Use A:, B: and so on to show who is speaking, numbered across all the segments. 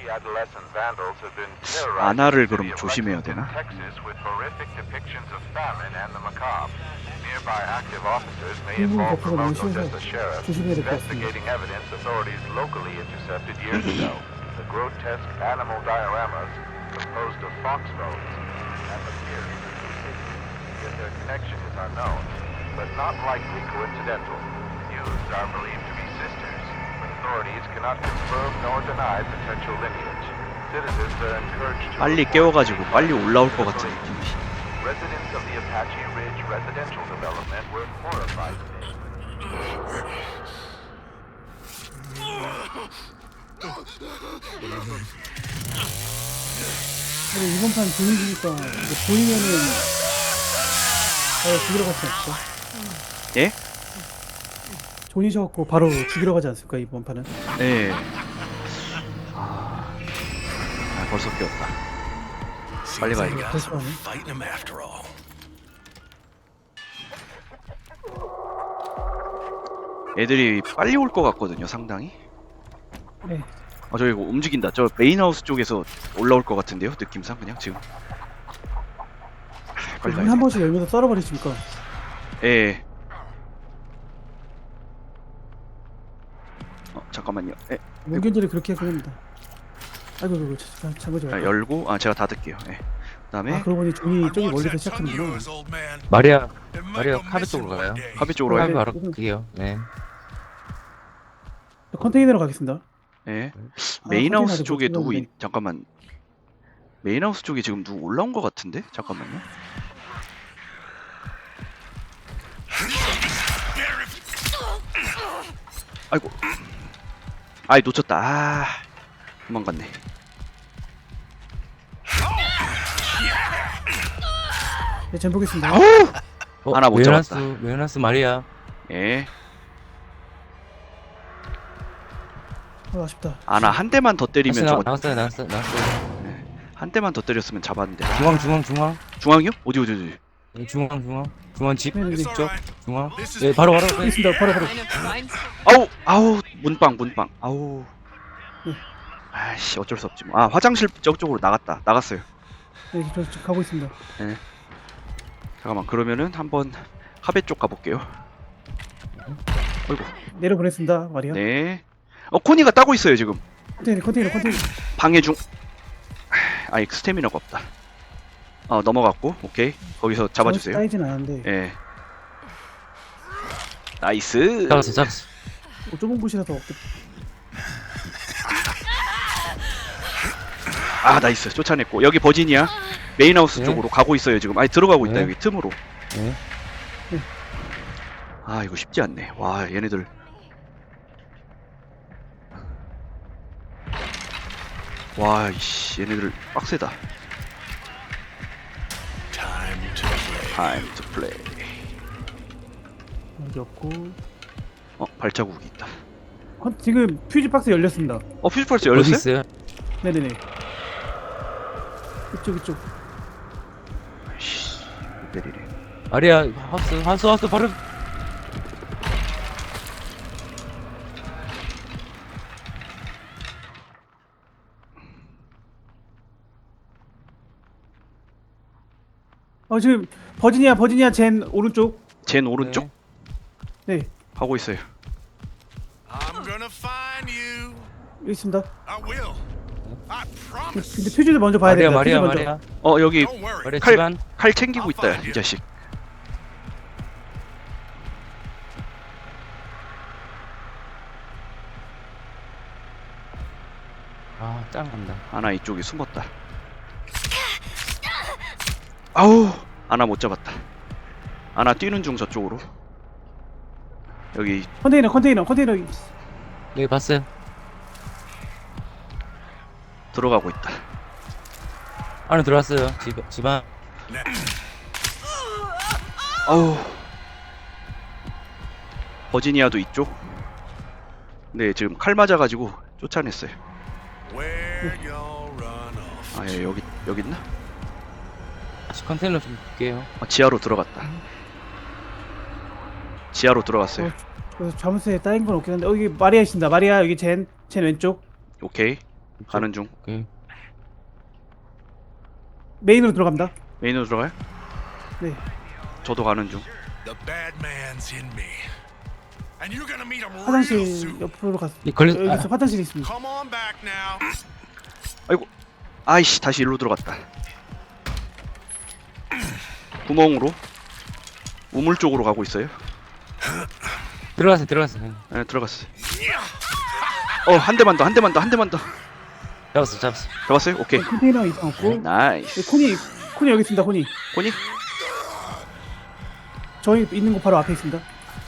A: 아나를 그럼 조심해야 되나?
B: 미국 버프가 너무 쉬워서 조심해야 될 것 같습니다.
C: But not likely coincidental. Youths are believed to be sisters, but authorities cannot confirm nor deny potential lineage. Citizens are encouraged to
A: 빨리 깨워가지고 빨리 올라올 것 같은 느낌이.
C: Residents of the Apache Ridge residential development were horrified.
B: 근데 이번 판 분위기니까 보이면은 바로 죽이러 가지 않을까?
A: 예?
B: 존이셔갖고 바로 죽이러 가지 않습니까 이번 판은?
A: 네. 벌써 깨웠다. 빨리 가야겠다.
B: 다시 하네.
D: Fighting him after all.
A: 애들이 빨리 올 것 같거든요, 상당히.
B: 네.
A: 저기 이거 움직인다. 저 메인하우스 쪽에서 올라올 것 같은데요, 느낌상 그냥 지금. 빨리 가야
B: 한
A: 돼.
B: 번씩 열면서 썰어버리십니까?
A: 예. 잠깐만요. 예.
B: 문견들이 그렇게 합니다. 아이고 잠깐만
A: 열고 제가 닫을게요. 예. 그다음에
B: 그러고 보니 존이 저기 멀리서 시작하는구나.
E: 마리아 카베 쪽으로 가요.
A: 카페 쪽으로
B: 네.
A: 가요.
E: 카베 바로 그게요. 네.
B: 컨테이너로 가겠습니다.
A: 예. 메인하우스
B: 컨테이너를
A: 쪽에
B: 못
A: 누구
B: 찍었는데.
A: 잠깐만. 메인하우스 쪽에 지금 누구 올라온 것 같은데? 잠깐만요. 아이고. 놓쳤다. 도망갔네.
B: 네, 전 보겠습니다.
A: 하나 못 잡았다.
E: 메어나스 마리아.
A: 예.
B: 아쉽다.
A: 아나 한 대만 더 때리면 저거
E: 나왔어요.
A: 한 대만 더 때렸으면 잡았는데.
E: 중앙.
A: 중앙이요? 어디?
E: 네, 중앙 집.
B: 네네네.
E: 쪽 중앙. 네, 바로. 네.
B: 있습니다. 바로.
A: 아우 문빵. 아우.
B: 네.
A: 아이씨 어쩔 수 없지 뭐. 화장실 저쪽으로 나갔어요.
B: 네, 저 지금 가고 있습니다.
A: 잠깐만 그러면은 한번 카베 쪽 가볼게요. 어이구.
B: 내려보냈습니다. 마리아.
A: 네. 코니가 따고 있어요 지금.
B: 컨테이너.
A: 방해 중. 아이 스태미너가 없다. 넘어갔고 오케이 거기서 잡아주세요.
B: 따이진 않았는데
A: 예. 나이스.
E: 잡았어.
B: 좁은 곳이라서 없겠.
A: 나이스 쫓아냈고 여기 버지니아 메인하우스
E: 네.
A: 쪽으로 가고 있어요 지금. 들어가고 있다
E: 네.
A: 여기 틈으로.
E: 네.
A: 이거 쉽지 않네. 와 얘네들. 와 이씨 얘네들 빡세다. Time to play.
B: 여기 없고.
A: 발자국이 있다.
B: 지금 퓨즈 박스 열렸습니다.
A: 퓨즈펄스
E: 어디
A: 열렸어요?
E: 있어요?
B: 네네네. 이쪽.
A: 씨 때리네.
E: 마리아 하우스 바로.
B: 지금 버지니아 젠 오른쪽.
A: 젠 오른쪽?
B: 네.
A: 하고 있어요.
D: I'm gonna find you.
B: 여기 있습니다.
D: I will. I promise.
B: 근데 퓨즈를 먼저 봐야 됩니다. 퓨즈 먼저.
E: 마리아.
A: 여기
D: Don't worry.
E: 마리아
A: 칼-
E: 집안.
A: 칼 챙기고 있다 이 자식.
E: 짱 간다.
A: 아나 이쪽에 숨었다. 아우 아나 못 잡았다. 아나 뛰는 중 저쪽으로. 여기
B: 컨테이너.
E: 네, 봤어요.
A: 들어가고 있다.
E: 안에 들어왔어요. 집안.
A: 아우 버지니아도 이쪽. 네 지금 칼 맞아가지고 쫓아냈어요.
D: Where y'all run off.
A: 여기 있나?
E: 컨테이너 좀 볼게요.
A: 지하로 들어갔다. 지하로 들어갔어요.
B: 그래서 자물쇠에 따인 건 없긴 한데 여기 마리아 있습니다. 마리아 여기 젠 왼쪽.
A: 오케이. 가는 중.
E: 오케이.
B: 메인으로 들어갑니다.
A: 메인으로 들어가요?
B: 네.
A: 저도 가는 중.
D: The bad man's in me. And you're gonna meet him real
B: 화장실
D: soon.
B: 옆으로 갔어.
E: 이 걸리
B: 여기서 화장실이 있습니다.
D: Come on back now.
A: 아이고. 아이씨 다시 일로 들어갔다. 구멍으로 우물 쪽으로 가고 있어요.
E: 들어갔어요. 들어갔어요.
A: 네, 들어갔어. 한 대만 더, 한 대만 더, 한 대만 더.
E: 잡았어. 잡았어.
A: 잡았어요? 오케이.
B: 컨테이너 이상 없고.
A: 나이스.
B: 네, 코니 여기 있습니다. 코니.
A: 코니?
B: 저희 있는 곳 바로 앞에 있습니다.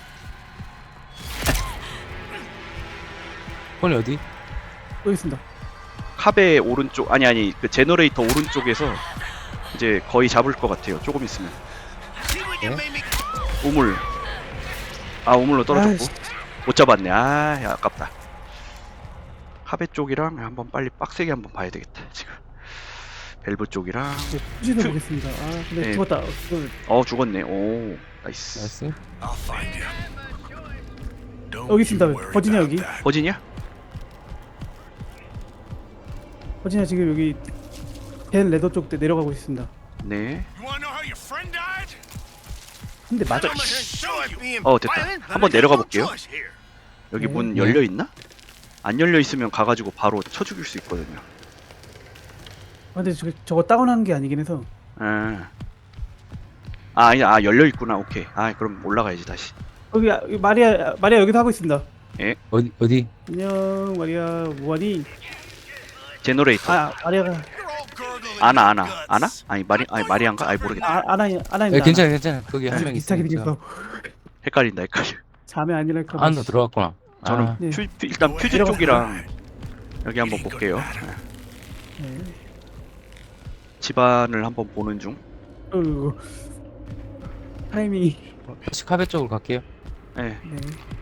E: 폰이 어디?
B: 여기 있습니다.
A: 카베 오른쪽 아니 그 제너레이터 오른쪽에서 이제 거의 잡을 것 같아요. 조금 있으면. 우물. 우물로 떨어졌고
B: 아이씨.
A: 못 잡았네. 야, 아깝다. 카베 쪽이랑 한번 빨리 빡세게 한번 봐야 되겠다. 지금 밸브 쪽이랑
B: 네, 푸시도 보겠습니다. 근데
A: 네.
B: 죽었다.
A: 죽었네. 오 나이스.
E: 나이스.
D: I'll find you. Don't
B: 여기 있습니다.
D: you worry
B: 버지니아
D: about
B: 여기.
D: that.
A: 버지니아?
B: 버지니아 지금 여기 벤 레더 쪽 내려가고 있습니다.
A: 네.
D: You wanna know how your friend died?
B: 근데 맞아.
D: I'm gonna show you.
A: 됐다. 한번 내려가 볼게요.
D: Choice here.
A: 여기
B: 네.
A: 문
E: 네.
A: 열려 있나? 안 열려 있으면 가가지고 바로 쳐 죽일 수 있거든요.
B: 근데 저거 다운하는 게 아니긴 해서.
A: 아니 열려 있구나. 오케이. 그럼 올라가야지 다시.
B: 여기 마리아 여기서 하고 있습니다.
E: 어디?
B: 안녕 마리아 뭐하니?
A: 제너레이터.
B: 마리아가
D: You're all gurgling
A: 아나
D: with guts.
A: 아니 마리안가? 모르겠다.
B: 아나입니다.
E: 괜찮아. 거기 한 명
B: 비슷하게
E: 있으니까.
B: 생겼어.
A: 헷갈려.
B: 자매 아니랄까.
E: 안으로 들어갔구나.
A: 저는
B: 네.
A: 일단 퓨즈
B: 내려가-
A: 쪽이랑 여기 한번 볼게요.
B: 네.
A: 집안을 한번 보는 중.
B: 타이밍이.
E: 다시 카베 쪽으로 갈게요.
A: 네.
B: 네.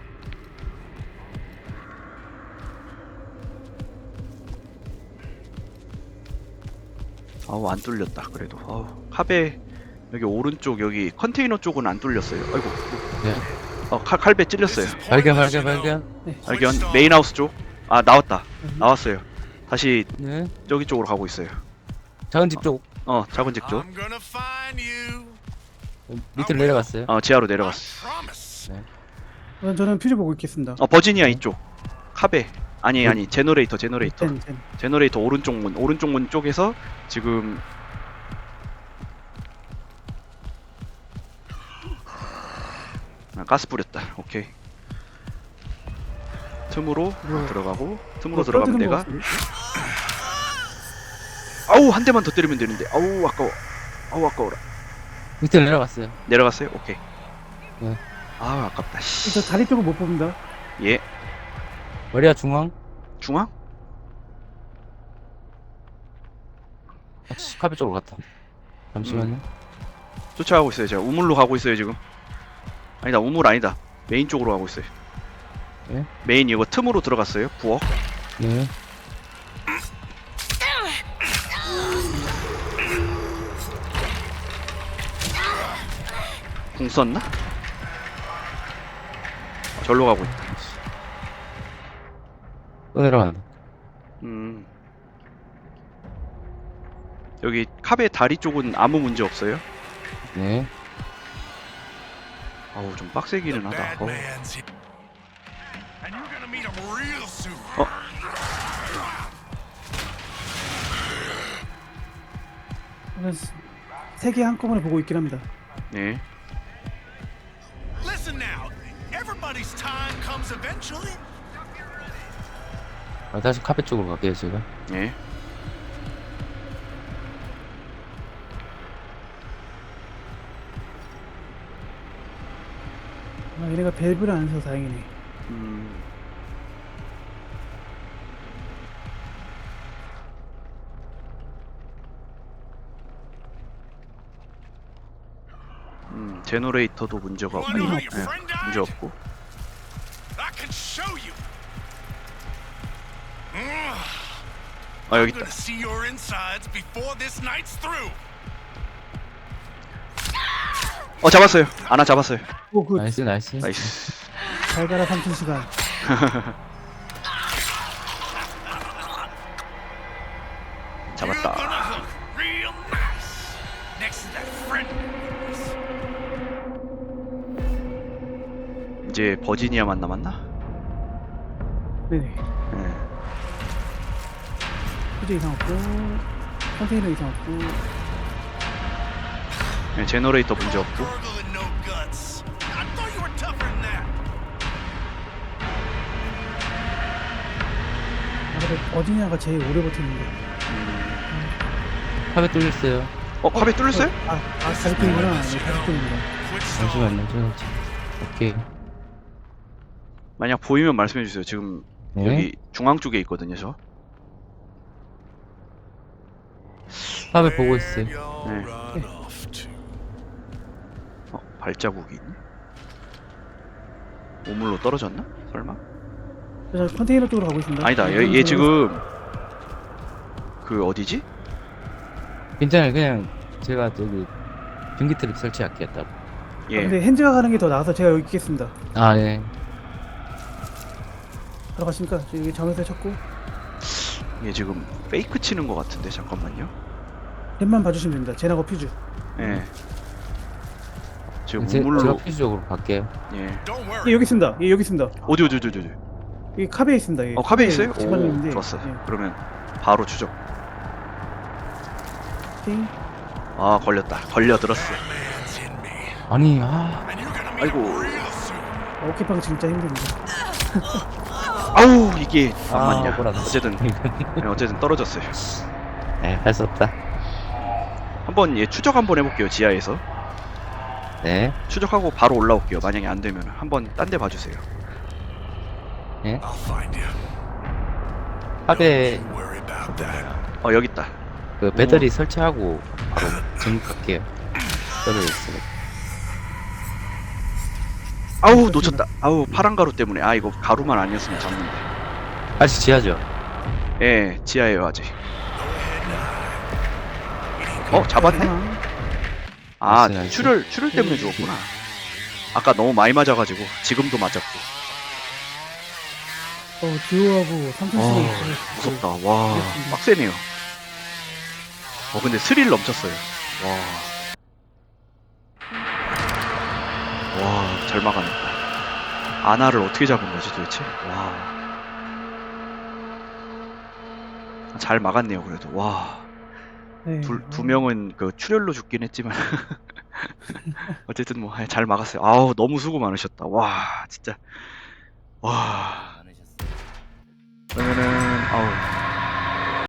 A: 안 뚫렸다. 그래도. 카베 여기 오른쪽 여기 컨테이너 쪽은 안 뚫렸어요. 아이고.
E: 네.
A: 칼배 찔렸어요.
E: 발견.
A: 발견. 메인하우스 쪽. 나왔다. 나왔어요. 다시
E: 네.
A: 저기 쪽으로 가고 있어요.
E: 작은 집 쪽
A: 작은 집 쪽.
D: I'm gonna find you.
E: 밑으로 내려갔어요.
A: 지하로
D: I
A: 내려갔어.
D: promise.
B: 저는 퓨즈 보고 있겠습니다.
A: 버지니아 이쪽. 카베. 아니 제너레이터.
B: 젠.
A: 제너레이터 오른쪽 문 쪽에서 지금 가스 뿌렸다. 오케이. 틈으로 들어가고 틈으로 들어가면 내가 한 대만 더 때리면 되는데 아까워라.
E: 밑으로 내려갔어요.
A: 내려갔어요? 오케이.
E: 네.
A: 아깝다.
B: 저 다리 쪽을 못 봅니다.
A: 예.
E: 마리아 중앙.
A: 중앙?
E: 카베 쪽으로 갔다. 잠시만요.
A: 쫓아가고 있어요. 제가 우물로 가고 있어요 지금. 아니다 우물 아니다. 메인 쪽으로 가고 있어요.
E: 예?
A: 메인 이거 틈으로 들어갔어요. 부엌.
E: 네.
A: 궁 썼나? 절로 가고 있다.
E: 또 내려간다.
A: 여기 카베 다리 쪽은 아무 문제 없어요.
E: 네.
A: 좀 빡세기는
D: The
A: 하다.
D: bad man's here. And you're gonna meet him real soon.
B: 세 개 한꺼번에 보고 있긴 합니다.
A: 네.
D: Listen now. Everybody's time comes eventually.
E: 다시 카베 쪽으로 갈게요 제가.
A: 네.
B: 얘네가 밸브를 안 해서 다행이네.
A: 제너레이터도 문제가 없고,
D: Wanna know how your
A: 네,
D: friend died?
A: 문제 없고.
D: I can show you.
A: 여기
D: I'm
A: 있다.
D: gonna see your insides before this night's through.
A: 잡았어요. 하나 잡았어요.
E: 나이스.
A: 나이스.
B: 잘 가라 3천 시간.
A: 이제 버지니아만 남았나?
B: 네네.
A: 네.
B: 휴지 이상 없고, 컨테이너 이상 없고,
A: 네, 제너레이터 문제 없고.
D: Gargle and no guts. I thought you were tougher than that.
B: 아, 근데 어디냐가 제일 오래 버티는데.
E: 카베 뚫렸어요.
A: 카베 뚫렸어요?
B: 가족들이구나. 네, 가족들이구나.
D: Quit stalling.
E: 잠시만요. 오케이.
A: 만약 보이면 말씀해 주세요. 지금
E: 네.
A: 여기 중앙 쪽에 있거든요, 저.
E: 카베 보고 있어요.
D: Where'd y'all
A: 네.
D: run off to?
A: 발자국이 있네. 우물로 떨어졌나? 설마?
B: 저 컨테이너 쪽으로 가고 있습니다.
A: 아니다. 얘 지금 그 어디지?
E: 괜찮아요. 그냥 제가 저기 전기 트랩 설치할게요. 따로.
A: 예.
B: 근데 핸즈가 가는 게 더 나아서 제가 여기 있겠습니다.
E: 아, 네.
B: 들어가십니까? 저 여기 정에서 쳤고,
A: 얘 지금 페이크 치는 것 같은데 잠깐만요.
B: 랩만 봐주시면 됩니다. 제나거 퓨즈.
A: 예. 지금
E: 제가
A: 우물로
E: 필수적으로 갈게요.
A: 예.
D: Don't
B: 예,
D: worry.
B: 여기 있습니다. 예, 여기 있습니다.
A: 어디 여기
B: 카베에 있습니다. 예.
A: 카베 있어요?
B: 집안에 있는데.
A: 오, 좋았어.
B: 예.
A: 그러면 바로 추적.
B: 오케이.
A: 아, 걸렸다. 걸려들었어.
D: Man's in me.
E: 아니,
D: And you're gonna meet
A: 아이고.
D: him real soon.
B: 어깨빵 진짜 힘듭니다.
A: 아우, 이게 안
E: 아,
A: 맞냐.
E: 억울하다.
A: 어쨌든 어쨌든 떨어졌어요.
E: 네, 할 수 없다.
A: 한번 얘 추적 한번 해볼게요. 지하에서
E: 네.
A: 추적하고 바로 올라올게요. 만약에 안 되면 한번 딴 데 봐주세요.
E: 네.
D: I'll find you.
E: 카베
D: Don't worry about that.
A: 여기 있다.
E: 그 배터리 설치하고 바로 전갈게요. 떨어져 있어요.
A: 아우, 놓쳤다. 아우, 파란 가루 때문에. 아, 이거 가루만 아니었으면 잡는데.
E: 아직 지하죠?
A: 예, 지하에요 아직.
D: Go ahead now.
A: 잡았네.
B: 하나.
A: 아,
E: 나이스, 나이스.
A: 출혈 때문에 죽었구나. 아까 너무 많이 맞아가지고 지금도 맞았고.
B: 듀오하고 3천
A: 아,
B: 씩
A: 무섭다. 와, 빡세네요. 근데 스릴 넘쳤어요. 와, 잘 막아냈다. 아나를 어떻게 잡은 거지 도대체? 와, 잘 막았네요 그래도. 와,
B: 네.
A: 두 명은 그 출혈로 죽긴 했지만 어쨌든 뭐 잘 막았어요. 아우, 너무 수고 많으셨다. 와, 진짜. 와.